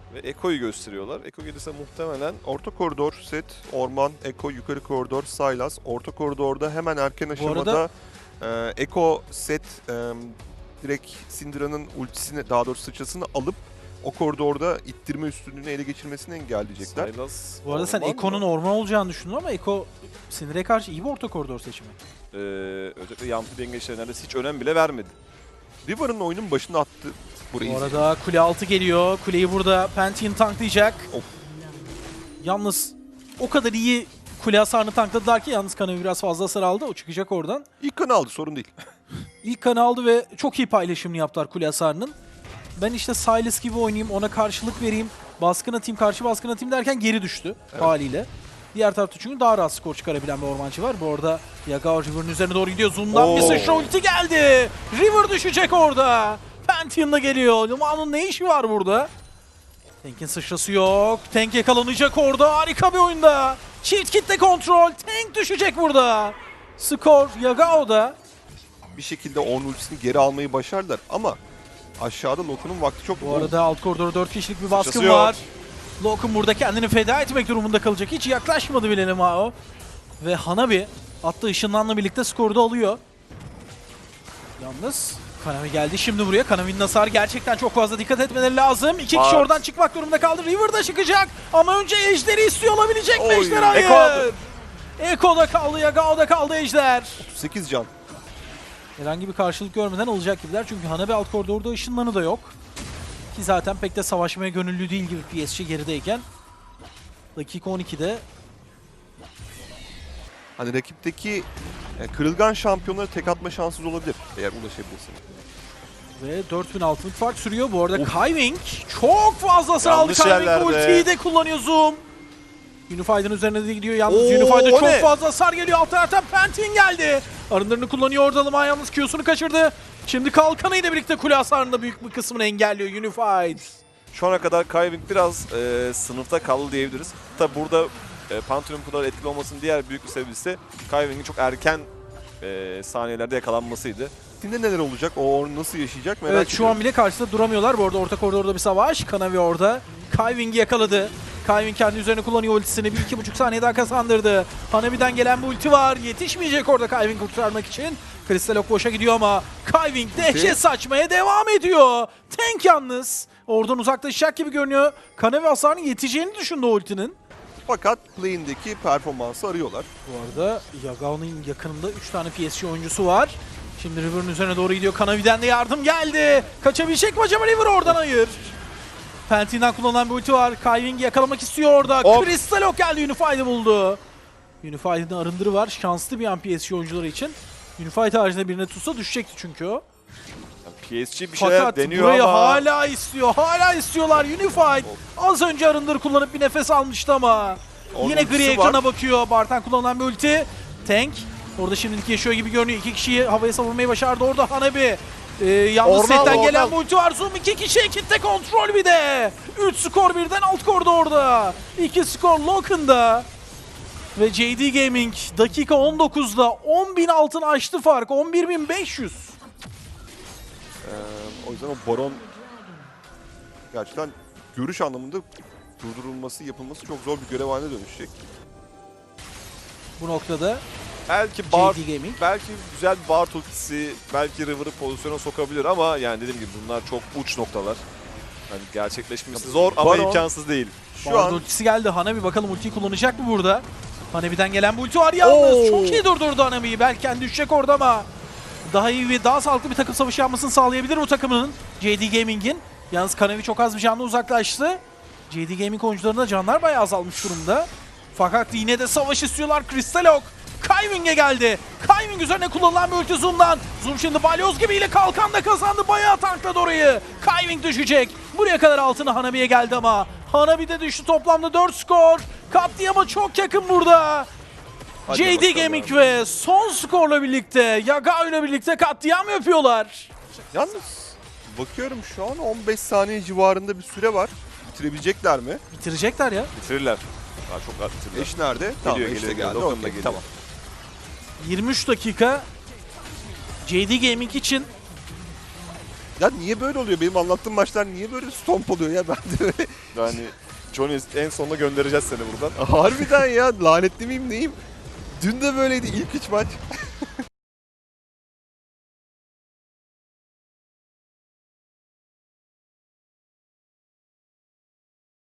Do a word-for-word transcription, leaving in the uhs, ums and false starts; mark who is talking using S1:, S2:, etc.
S1: Ve Eko'yu gösteriyorlar. Eko gelirse muhtemelen
S2: Orta koridor set, orman, Eko, yukarı koridor, Sylas. Orta koridorda hemen erken aşamada
S3: arada-
S2: e, Eko set e, direkt Syndra'nın ultisini, daha doğrusu sıçrasını alıp o koridorda ittirme üstünlüğünü ele geçirmesini engelleyecekler.
S1: Sylas...
S3: Bu arada sen
S1: orman
S3: Eko'nun
S1: mı?
S3: orman olacağını düşündün ama Eko Syndra'ya karşı iyi bir orta koridor seçimi.
S1: Ee, özellikle Yampi dengeçlerine neredeyse hiç önem bile vermedi.
S2: River'ın oyunun başında attı burayı.
S3: Bu arada kule altı geliyor. Kuleyi burada Pantheon tanklayacak.
S2: Of.
S3: Yalnız o kadar iyi kule hasarını tankladılar ki yalnız Kanavi biraz fazla hasar aldı. O çıkacak oradan.
S2: İlk kanı aldı, sorun değil.
S3: İlk kanı aldı ve çok iyi paylaşımını yaptılar kule hasarının. Ben işte Sylas gibi oynayayım, ona karşılık vereyim, baskın atayım, karşı baskın atayım derken geri düştü
S2: Evet.
S3: haliyle. Diğer tarafta çünkü daha rahat skor çıkarabilen bir ormancı var. Bu arada Yagao River'ın üzerine doğru gidiyor. Zoom'dan bir
S2: Oo.
S3: sıçra ulti geldi. River düşecek orada. Pantheon'da geliyor. Luma'nın ne işi var burada? Tank'in sıçrası yok. Tank yakalanacak orada. Harika bir oyunda. Çift kitle kontrol. Tank düşecek burada. Skor Yagao'da.
S2: Bir şekilde onun ultisini geri almayı başardılar ama aşağıda Loku'nun vakti çok
S3: Bu arada alt koridorda dört kişilik bir baskın
S1: Sıçrası yok.
S3: var. Lokun burada kendini feda etmek durumunda kalacak. Hiç yaklaşmadı bile Lemao. Ve Hanabi attığı ışınlanla birlikte skoru da alıyor. Yalnız Kanavi geldi şimdi buraya. Kanavi'nin hasarı gerçekten çok fazla, dikkat etmeleri lazım. İki kişi
S1: Var.
S3: oradan çıkmak durumunda kaldı. River da çıkacak ama önce Ejder'i istiyor olabilecek mi
S2: Oy,
S3: Ejder? Hayır.
S1: Eko aldı.
S3: Eko'da kaldı, Yagao'da kaldı Ejder.
S2: otuz sekiz can.
S3: Herhangi bir karşılık görmeden alacak gibiler. Çünkü Hanabi alt koridorda ışınlanı da yok. Ki zaten pek de savaşmaya gönüllü değil gibi P S G gerideyken. Dakika on ikide
S2: Hani rakipteki e, kırılgan şampiyonları tek atma şanssız olabilir eğer ulaşabilirsin.
S3: ve dört bin altınlık fark sürüyor. Bu arada Kaiving çok fazla hasar aldı.
S1: Yanlış
S3: Kaiving
S1: yerlerde.
S3: ultiyi de kullanıyor Zoom. Unified'ın üzerine de gidiyor. Yalnız
S2: Oo,
S3: Unified'da
S2: o
S3: çok
S2: ne?
S3: fazla hasar geliyor. Alt taraftan Pantheon geldi. Arınlarını kullanıyor orada ama yalnız Q'sunu kaçırdı. Şimdi kalkanıyla birlikte kule hasarında büyük bir kısmını engelliyor Unified.
S1: Şu ana kadar Kaiving biraz e, sınıfta kaldı diyebiliriz. Tabi burada e, Pantheon'un bu kadar etkili olmasının diğer büyük bir sebebi ise Kaiving'in çok erken e, saniyelerde yakalanmasıydı.
S2: Şimdi neler olacak? O onu nasıl yaşayacak merak
S3: Evet, şu
S2: ediyorum.
S3: an bile karşısında duramıyorlar. Bu arada orta koridorda bir savaş. Kanavi orada. Kaiving'i yakaladı. Kaiving kendi üzerine kullanıyor ultisini. Bir iki buçuk saniye daha kazandırdı. Hanabi'den gelen bir ulti var. Yetişmeyecek orada Kaiving kurtarmak için. Kristalok boşa gidiyor ama Kaiving dehşet saçmaya devam ediyor. Tank yalnız. Oradan uzaklaşacak gibi görünüyor. Kanavi hasarının yeteceğini düşündü o ultinin.
S2: Fakat play'indeki performansı arıyorlar.
S3: Bu arada Yagao'nun yakınında üç tane P S G oyuncusu var. Şimdi River'ın üzerine doğru gidiyor. Kanavi'den de yardım geldi. Kaçabilecek mi acaba River oradan? Hayır. Pantheon'dan kullanılan bir ulti var. Kaiving'i yakalamak istiyor orada.
S1: Hop.
S3: Kristalok geldi, Unified'i buldu. Unified'in arındırı var. Şanslı bir an P S G oyuncuları için. Unified haricinde birine tutsa düşecekti çünkü o.
S1: Yani P S G bir şeyler
S3: Fakat
S1: deniyor
S3: burayı
S1: ama
S3: hala istiyor. Hala istiyorlar Unified. Az önce arındır kullanıp bir nefes almıştı ama.
S2: Onun
S3: Yine gri
S2: ultisi
S3: ekrana
S2: var.
S3: bakıyor. Bartan kullanılan bir ulti. Tank. Orada şimdilik yaşıyor gibi görünüyor. İki kişiyi havaya savurmayı başardı. Orada Hanabi. Ee, yalnız
S1: Orman,
S3: setten
S1: orman.
S3: gelen bir ulti var. Zoom iki kişi. Kitle kontrol bir de. üç skor birden alt korda orada. iki skor Loken'da. Ve J D Gaming dakika on dokuzda on bin altın aştı fark. on bir bin beş yüz.
S2: Ee, o yüzden o baron gerçekten görüş anlamında durdurulması, yapılması çok zor bir görev haline dönüşecek.
S3: Bu noktada
S1: belki bar,
S3: J D Gaming.
S1: belki güzel bir bar ultisi, belki River'ı pozisyona sokabilir ama yani dediğim gibi bunlar çok uç noktalar. Yani gerçekleşmesi zor ama
S2: Baron-
S1: imkansız değil.
S2: Şu
S3: Şu
S2: an
S3: ultisi geldi. Hanabi bakalım ultiyi kullanacak mı burada? Hanabi'den gelen bu ulti var yalnız.
S2: Oo.
S3: Çok iyi durdurdu Hanabi'yi. Belki kendi düşecek orada ama daha iyi ve daha sağlıklı bir takım savaşı yapmasını sağlayabilir bu takımının. J D Gaming'in. Yalnız Kanavi çok az bir canlı uzaklaştı. J D Gaming oyuncularında canlar bayağı azalmış durumda. Fakat yine de savaş istiyorlar. Kristalok Kaiving'e geldi. Kaiving üzerine kullanılan bir ulti Zoom'dan. Zoom şimdi balyoz gibiyle kalkan da kazandı. Bayağı tankladı orayı. Kaiving düşecek. Buraya kadar altına Hanabi'ye geldi ama Hanabi de düştü. Toplamda dört skor. Katliama çok yakın burada.
S2: Hadi
S3: J D
S2: bakalım.
S3: Gaming ve son skorla birlikte Yagao ile birlikte katliam yapıyorlar.
S2: yalnız bakıyorum şu an on beş saniye civarında bir süre var. Bitirebilecekler mi?
S3: Bitirecekler ya.
S1: Bitirirler. Daha çok rahat bitirirler.
S2: Eş nerede? tamam,
S1: Geliyor,
S2: eş de
S1: geliyor,
S2: geldi.
S1: Lokan da
S2: Okey,
S1: geliyor.
S2: tamam.
S3: yirmi üç dakika J D Gaming için
S2: Ya niye böyle oluyor? Benim anlattığım maçlar niye böyle stomp oluyor ya? Ben de öyle.
S1: Yani Johnny en sonunda göndereceğiz seni buradan.
S2: Harbiden ya, lanetli miyim neyim? Dün de böyleydi ilk üç maç.